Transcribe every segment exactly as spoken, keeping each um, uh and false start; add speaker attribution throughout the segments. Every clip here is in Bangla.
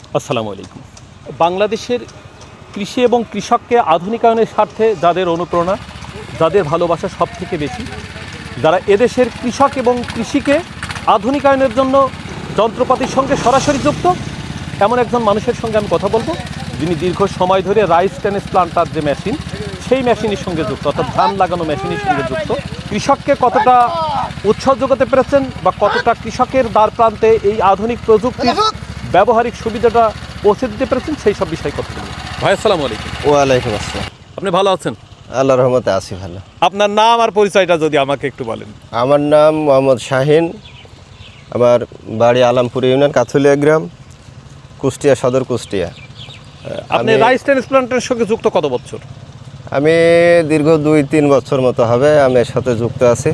Speaker 1: আসসালামু আলাইকুম। বাংলাদেশের কৃষি এবং কৃষককে আধুনিকায়নের স্বার্থে যাদের অনুপ্রেরণা, যাদের ভালোবাসা সব থেকে বেশি, যারা এদেশের কৃষক এবং কৃষিকে আধুনিকায়নের জন্য যন্ত্রপাতির সঙ্গে সরাসরি যুক্ত, এমন একজন মানুষের সঙ্গে আমি কথা বলবো, যিনি দীর্ঘ সময় ধরে রাইস ট্রান্সপ্লান্টার যে মেশিন, সেই মেশিনের সঙ্গে যুক্ত, অর্থাৎ ধান লাগানো মেশিনের সঙ্গে যুক্ত। কৃষককে কতটা উৎসাহ যোগাতে পেরেছেন বা কতটা কৃষকের দ্বার প্রান্তে এই আধুনিক প্রযুক্তির ব্যবহারিক সুবিধাটা পৌঁছে দিতে পেরেছেন, সেই সব বিষয় কথা বলুন। ভাই আসসালামু আলাইকুম।
Speaker 2: ওয়ালাইকুম আসসালাম।
Speaker 1: আপনি ভালো আছেন?
Speaker 2: আল্লাহর রহমতে আছি ভালো।
Speaker 1: আপনার নাম আর পরিচয়টা যদি আমাকে একটু বলেন।
Speaker 2: আমার নাম মোহাম্মদ শাহিন, আমার বাড়ি আলামপুর ইউনিয়ন, কাথুলিয়া গ্রাম, কুষ্টিয়া সদর, কুষ্টিয়া।
Speaker 1: আপনি রাইস ট্রান্সপ্লান্টের সঙ্গে যুক্ত কত বছর?
Speaker 2: আমি দীর্ঘ দুই তিন বছর মতো হবে আমি এর সাথে যুক্ত আছি।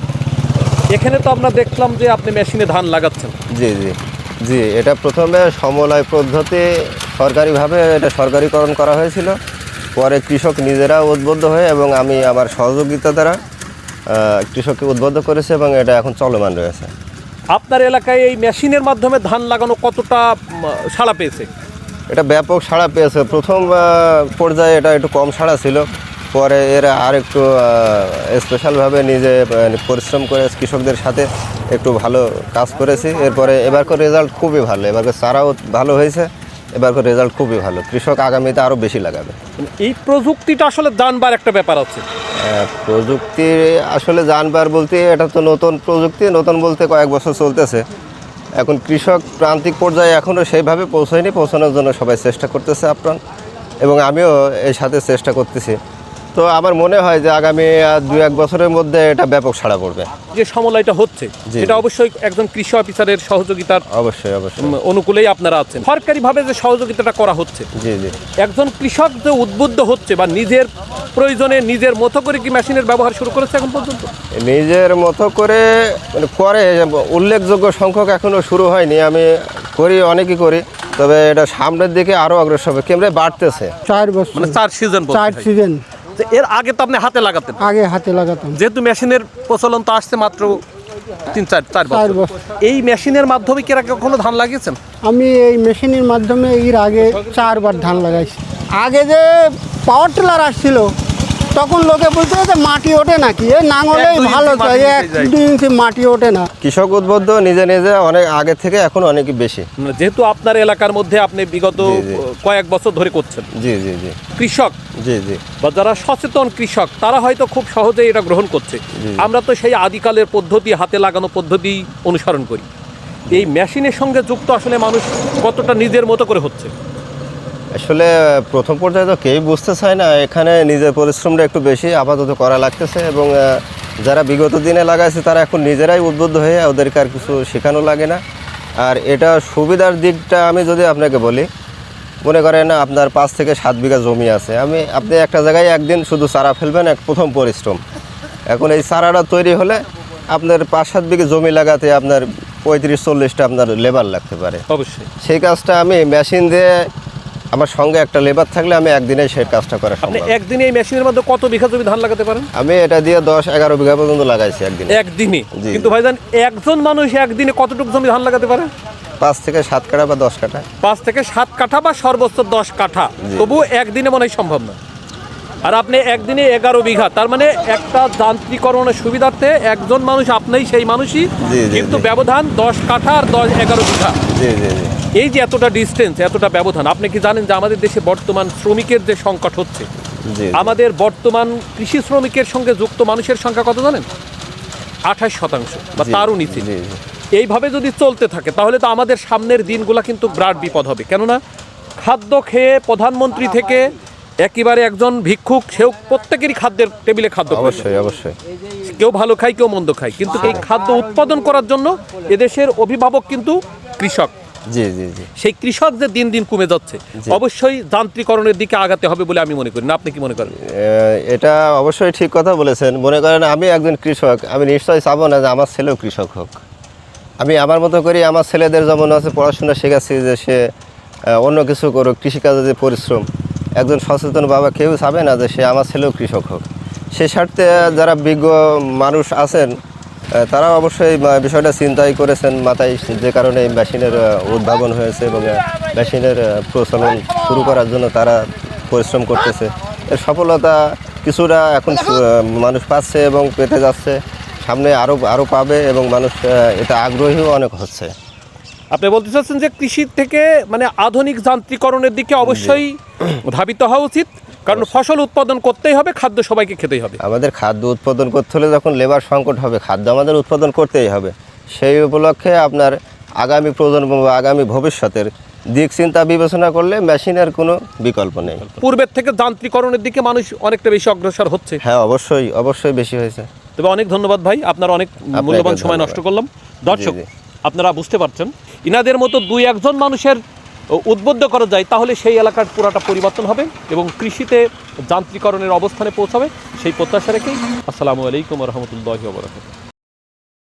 Speaker 1: এখানে তো আমরা দেখলাম যে আপনি মেশিনে ধান লাগাচ্ছেন।
Speaker 2: জি জি জি এটা প্রথমে সমলয় পদ্ধতি সরকারিভাবে এটা সরকারিকরণ করা হয়েছিল, পরে কৃষক নিজেরা উদ্বুদ্ধ হয়ে এবং আমি আমার সহযোগিতা দ্বারা কৃষককে উদ্বুদ্ধ করেছে এবং এটা এখন চলমান রয়েছে।
Speaker 1: আপনার এলাকায় এই মেশিনের মাধ্যমে ধান লাগানো কতটা সাড়া পেয়েছে?
Speaker 2: এটা ব্যাপক সাড়া পেয়েছে। প্রথম পর্যায়ে এটা একটু কম সাড়া ছিল, পরে এরা আর একটু স্পেশালভাবে নিজে পরিশ্রম করে কৃষকদের সাথে একটু ভালো কাজ করেছি। এরপরে এবারকার রেজাল্ট খুবই ভালো, এবারকার চারাও ভালো হয়েছে, এবারকার রেজাল্ট খুবই ভালো। কৃষক আগামীতে আরও বেশি লাগাবে।
Speaker 1: এই প্রযুক্তিটা আসলে জানবার একটা ব্যাপার আছে।
Speaker 2: প্রযুক্তি আসলে জানবার বলতে এটা তো নতুন প্রযুক্তি, নতুন বলতে কয়েক বছর চলতেছে। এখন কৃষক প্রান্তিক পর্যায়ে এখনও সেইভাবে পৌঁছায়নি, পৌঁছানোর জন্য সবাই চেষ্টা করতেছে আপ্রাণ, এবং আমিও এর সাথে চেষ্টা করতেছি। তো আমার মনে হয় যে আগামী দু এক বছরের মধ্যে এটা ব্যাপক সাড়া পড়বে।
Speaker 1: যে সমলয়টা হচ্ছে এটা অবশ্যই একজন কৃষি অফিসারের সহযোগিতার
Speaker 2: অবশ্যই অবশ্যই
Speaker 1: অনুকূলেই আপনারা আছেন। সরকারিভাবে যে সহযোগিতাটা করা হচ্ছে,
Speaker 2: জি জি
Speaker 1: একজন কৃষক যে উদ্বুদ্ধ হচ্ছে বা নিজের প্রয়োজনে নিজের মতো করে কি মেশিনের ব্যবহার শুরু করেছে এখন পর্যন্ত?
Speaker 2: নিজের মতো করে মানে করে উল্লেখযোগ্য সংখ্যক এখনও শুরু হয়নি। আমি করি, অনেকই করি, তবে এটা সামনের দিকে আরও অগ্রসর হবে, কেমন বাড়তেছে।
Speaker 3: চার বছর
Speaker 1: মানে চার সিজন
Speaker 3: চার সিজন
Speaker 1: এর আগে তো আপনি হাতে লাগাতেন?
Speaker 3: আগে হাতে লাগাতাম,
Speaker 1: যেহেতু মেশিনের প্রচলন তো আসছে মাত্র তিন চার চার বছর। এই মেশিনের মাধ্যমে কি এর আগে কখনো ধান লাগিয়েছেন?
Speaker 3: আমি এই মেশিনের মাধ্যমে এর আগে চারবার ধান লাগাইছি। আগে যে পাওয়ার টিলার আসছিল তখন লোকে বলতো যে মাটি ওঠে নাকি, এ নাঙলেই ভালো চাই, এক দুই ইঞ্চি মাটি ওঠে না।
Speaker 2: কৃষক উদ্বুদ্ধ নিজে নিজে অনেক আগে থেকে এখন অনেক বেশি।
Speaker 1: যেহেতু আপনার এলাকার মধ্যে আপনি বিগত কয়েক বছর ধরে করছেন,
Speaker 2: জি জি জি
Speaker 1: কৃষক
Speaker 2: জি জি
Speaker 1: বা যারা সচেতন কৃষক তারা হয়তো খুব সহজেই এটা গ্রহণ করছে। আমরা তো সেই আদিকালের পদ্ধতি, হাতে লাগানো পদ্ধতি অনুসরণ করি। এই মেশিনের সঙ্গে যুক্ত আসলে মানুষ কতটা নিজের মতো করে হচ্ছে?
Speaker 2: আসলে প্রথম পর্যায়ে তো কেউই বুঝতে চায় না, এখানে নিজের পরিশ্রমটা একটু বেশি আপাতত করা লাগতেছে, এবং যারা বিগত দিনে লাগাইছে তারা এখন নিজেরাই উদ্বুদ্ধ হয়ে, ওদেরকে আর কিছু শেখানো লাগে না। আর এটা সুবিধার দিকটা আমি যদি আপনাকে বলি, মনে করেন আপনার পাঁচ থেকে সাত বিঘা জমি আছে, আমি আপনি একটা জায়গায় একদিন শুধু চারা ফেলবেন, এক প্রথম পরিশ্রম। এখন এই চারাটা তৈরি হলে আপনার পাঁচ সাত বিঘা জমি লাগাতে আপনার পঁয়ত্রিশ চল্লিশটা আপনার লেবার লাগতে পারে।
Speaker 1: অবশ্যই
Speaker 2: সেই কাজটা আমি মেশিন দিয়ে, আমার সঙ্গে একটা লেবার থাকলে আমি একদিনে সেই কাজটা করা সম্ভব।
Speaker 1: আপনি একদিনে এই মেশিনের মধ্যে কত বিঘা জমি ধান লাগাতে পারেন?
Speaker 2: আমি এটা দিয়ে দশ এগারো বিঘা পর্যন্ত লাগাইছি একদিনে।
Speaker 1: একদিনে? কিন্তু ভাইজান, একজন মানুষ একদিনে কতটুকু জমি ধান লাগাতে পারে?
Speaker 2: পাঁচ থেকে সাত কাঠা বা দশ কাঠা।
Speaker 1: পাঁচ থেকে সাত কাঠা বা সর্বোচ্চ দশ কাঠা, তবু একদিনে মনে হয় সম্ভব না। আর আপনি একদিনে এগারো বিঘা, তার মানে একটা যান্ত্রিকরণের সুবিধার্থে একজন মানুষ, আপনিই সেই মানুষই, কিন্তু ব্যবধান দশ কাঠা আর দশ এগারো বিঘা।
Speaker 2: জি জি জি
Speaker 1: এই যে এতটা ডিস্টেন্স, এতটা ব্যবধান, আপনি কি জানেন যে আমাদের দেশে বর্তমান শ্রমিকের যে সংকট হচ্ছে, আমাদের বর্তমান কৃষি শ্রমিকের সঙ্গে যুক্ত মানুষের সংখ্যা কত জানেন? আঠাশ শতাংশ বা তারও নিচে। এইভাবে যদি চলতে থাকে তাহলে তো আমাদের সামনের দিনগুলো কিন্তু বিরাট বিপদ হবে। কেননা খাদ্য খেয়ে প্রধানমন্ত্রী থেকে একেবারে একজন ভিক্ষুক, সেও প্রত্যেকেরই খাদ্যের টেবিলে খাদ্য,
Speaker 2: অবশ্যই অবশ্যই,
Speaker 1: কেউ ভালো খায় কেউ মন্দ খায়, কিন্তু এই খাদ্য উৎপাদন করার জন্য এদেশের অভিভাবক কিন্তু কৃষক।
Speaker 2: জি জি জি
Speaker 1: সেই কৃষক যে দিন দিন কমে যাচ্ছে, অবশ্যই যান্ত্রিকরণের দিকে আগাতে হবে বলে আমি মনে করি। না, আপনি কি মনে করেন?
Speaker 2: এটা অবশ্যই ঠিক কথা বলেছেন। মনে করেন আমি একজন কৃষক, আমি নিশ্চয়ই চাবো না যে আমার ছেলেও কৃষক হোক। আমি আমার মতো করি, আমার ছেলেদের যেমন আছে পড়াশোনা শেখাচ্ছি যে সে অন্য কিছু করুক, কৃষিকাজে যে পরিশ্রম, একজন সচেতন বাবা কেউ চাবে না যে সে আমার ছেলেও কৃষক হোক। সে স্বার্থে যারা বিজ্ঞ মানুষ আছেন তারা অবশ্যই আহ, বিষয়টা চিন্তাই করেছেন মাথায়, যে কারণে এই মেশিনের আহ, উদ্ভাবন হয়েছে এবং আহ, মেশিনের আহ, প্রচলন শুরু করার জন্য তারা পরিশ্রম করতেছে। এর সফলতা কিছুটা এখন সু- আহ, মানুষ পাচ্ছে এবং পেতে যাচ্ছে, সামনে আরও আরও পাবে এবং মানুষ আহ, এটা আগ্রহীও অনেক হচ্ছে।
Speaker 1: আপনি বলতে চাচ্ছেন যে কৃষি থেকে মানে আধুনিক যান্ত্রিকরণের দিকে অবশ্যই ধাবিত হওয়া উচিত, কারণ ফসল উৎপাদন করতেই হবে, খাদ্য সবাইকে খেতেই হবে।
Speaker 2: আমাদের খাদ্য উৎপাদন করতে হলে যখন লেবার সংকট হবে, খাদ্য আমাদের উৎপাদন করতেই হবে। সেই উপলক্ষে আপনার আগামী প্রজন্ম বা আগামী ভবিষ্যতের দিক চিন্তা বিবেচনা করলে মেশিনের কোনো বিকল্প নেই।
Speaker 1: পূর্বের থেকে যান্ত্রিকরণের দিকে মানুষ অনেকটা বেশি অগ্রসর হচ্ছে।
Speaker 2: হ্যাঁ, অবশ্যই অবশ্যই বেশি হয়েছে।
Speaker 1: তবে অনেক ধন্যবাদ ভাই, আপনার অনেক মূল্যবান সময়
Speaker 2: ধন্যবাদ।
Speaker 1: নষ্ট করলাম। দর্শক,
Speaker 2: জি, জি।
Speaker 1: আপনারা বুঝতে পারছেন, ইনাদের মতো দুই একজন মানুষের উদ্বুদ্ধ করা যায় তাহলে সেই এলাকার পুরাটা পরিবর্তন হবে এবং কৃষিতে যান্ত্রিকরণের অবস্থানে পৌঁছাবে, সেই প্রত্যাশা রেখেই আসসালামু আলাইকুম রহমতুল্লাহি ওয়া বারাকাতুহু।